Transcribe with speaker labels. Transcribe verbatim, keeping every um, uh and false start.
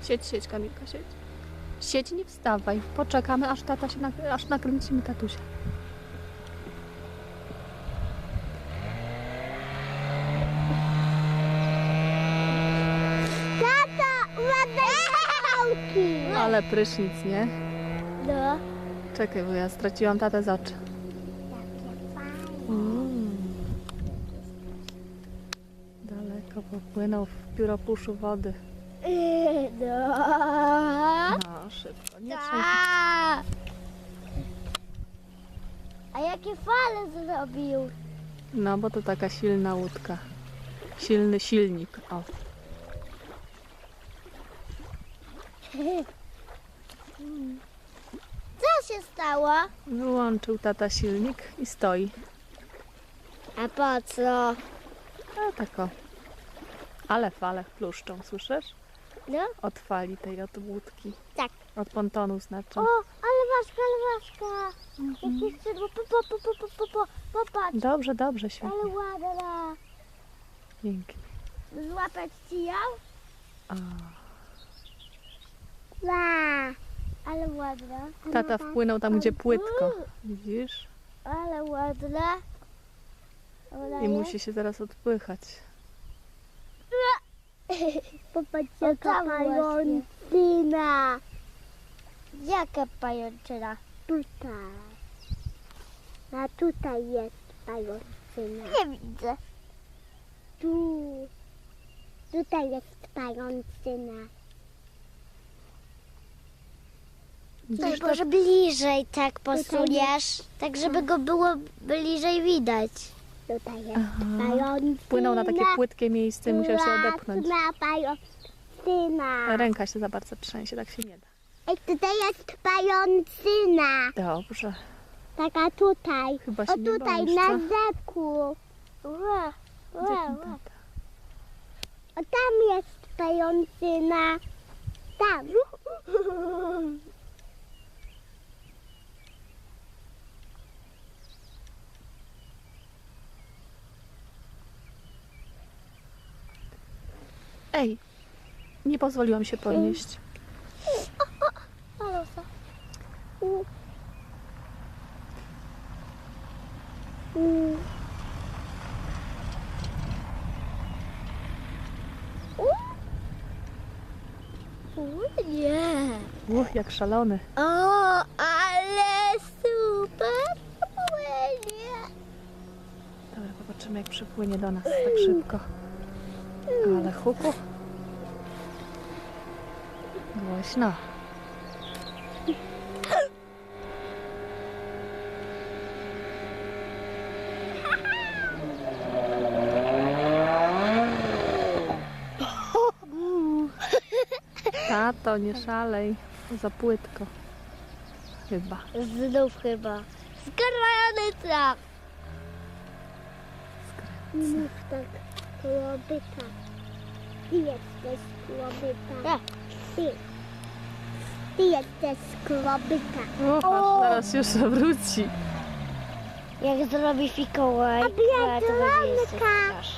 Speaker 1: Siedź, siedź, Kamilka, siedź. Siedź, nie wstawaj. Poczekamy, aż tata się nak- aż nakręcimy tatusia.
Speaker 2: Tata, ładne pałki.
Speaker 1: Ale prysznic, nie?
Speaker 2: No.
Speaker 1: Czekaj, bo ja straciłam tatę z oczu.
Speaker 2: Jakie fajne.
Speaker 1: Mm. Daleko popłynął w pióropuszu wody.
Speaker 2: No.
Speaker 1: No, szybko. Nie trzęsij.
Speaker 2: Ta. A jakie fale zrobił?
Speaker 1: No, bo to taka silna łódka. Silny silnik. O.
Speaker 2: Co się stało?
Speaker 1: Wyłączył tata silnik i stoi.
Speaker 2: A po co?
Speaker 1: A tak o. Ale fale pluszczą, słyszysz?
Speaker 2: No,
Speaker 1: Od fali tej, od łódki.
Speaker 2: tak.
Speaker 1: Od pontonu znaczy.
Speaker 2: O, ale ważka, ale ważka. Jakie skrzydło, po, po, po, po, po, po, popatrz.
Speaker 1: Dobrze, dobrze,
Speaker 2: Ale
Speaker 1: świetnie.
Speaker 2: ładna.
Speaker 1: Pięknie.
Speaker 2: Złapać ci ją?
Speaker 1: O.
Speaker 2: Ła. Ale ładna.
Speaker 1: Tata wpłynął tam, gdzie płytko. Widzisz?
Speaker 2: Ale ładna. Ona
Speaker 1: I
Speaker 2: jest.
Speaker 1: musi się zaraz odpychać.
Speaker 2: Popatrz, jaka pajączyna. Jaka pajączyna? Tutaj. A tutaj jest pajączyna. Nie widzę. Tu. Tutaj jest pajączyna.
Speaker 1: Widzisz, to-
Speaker 2: Może bliżej tak posuniesz, tak żeby go było bliżej widać. Tutaj jest
Speaker 1: Aha.
Speaker 2: pajączyna.
Speaker 1: Wpłynął na takie płytkie miejsce i musiał się odepchnąć.
Speaker 2: Ładna pajączyna.
Speaker 1: Ręka się za bardzo trzęsie, tak się nie da.
Speaker 2: Ej, tutaj jest pajączyna.
Speaker 1: Dobrze.
Speaker 2: Taka tutaj.
Speaker 1: Chyba się
Speaker 2: O
Speaker 1: nie
Speaker 2: tutaj,
Speaker 1: boisz,
Speaker 2: na
Speaker 1: co?
Speaker 2: rzeku. Ła,
Speaker 1: Gdzie
Speaker 2: ła,
Speaker 1: ten
Speaker 2: ła.
Speaker 1: tata?
Speaker 2: O tam jest pajączyna. Tam.
Speaker 1: Ej, nie pozwoliłam się podnieść.
Speaker 2: Alosa. U. U. U. U, nie.
Speaker 1: Uch, jak szalony.
Speaker 2: O, ale super płynie.
Speaker 1: Dobra, zobaczymy, jak przypłynie do nas tak szybko. Ale huku. Głośno. Tato, nie szalej. Za płytko. Chyba.
Speaker 2: Znów chyba. Skrajany traf. Nie mów tak, kłobyta. Ty jesteś kłobyta. Ty. Ty jesteś kłobyta.
Speaker 1: Uch, aż zaraz już wróci.
Speaker 2: Jak zrobi fikołaj, to będzie jeszcze strasznie.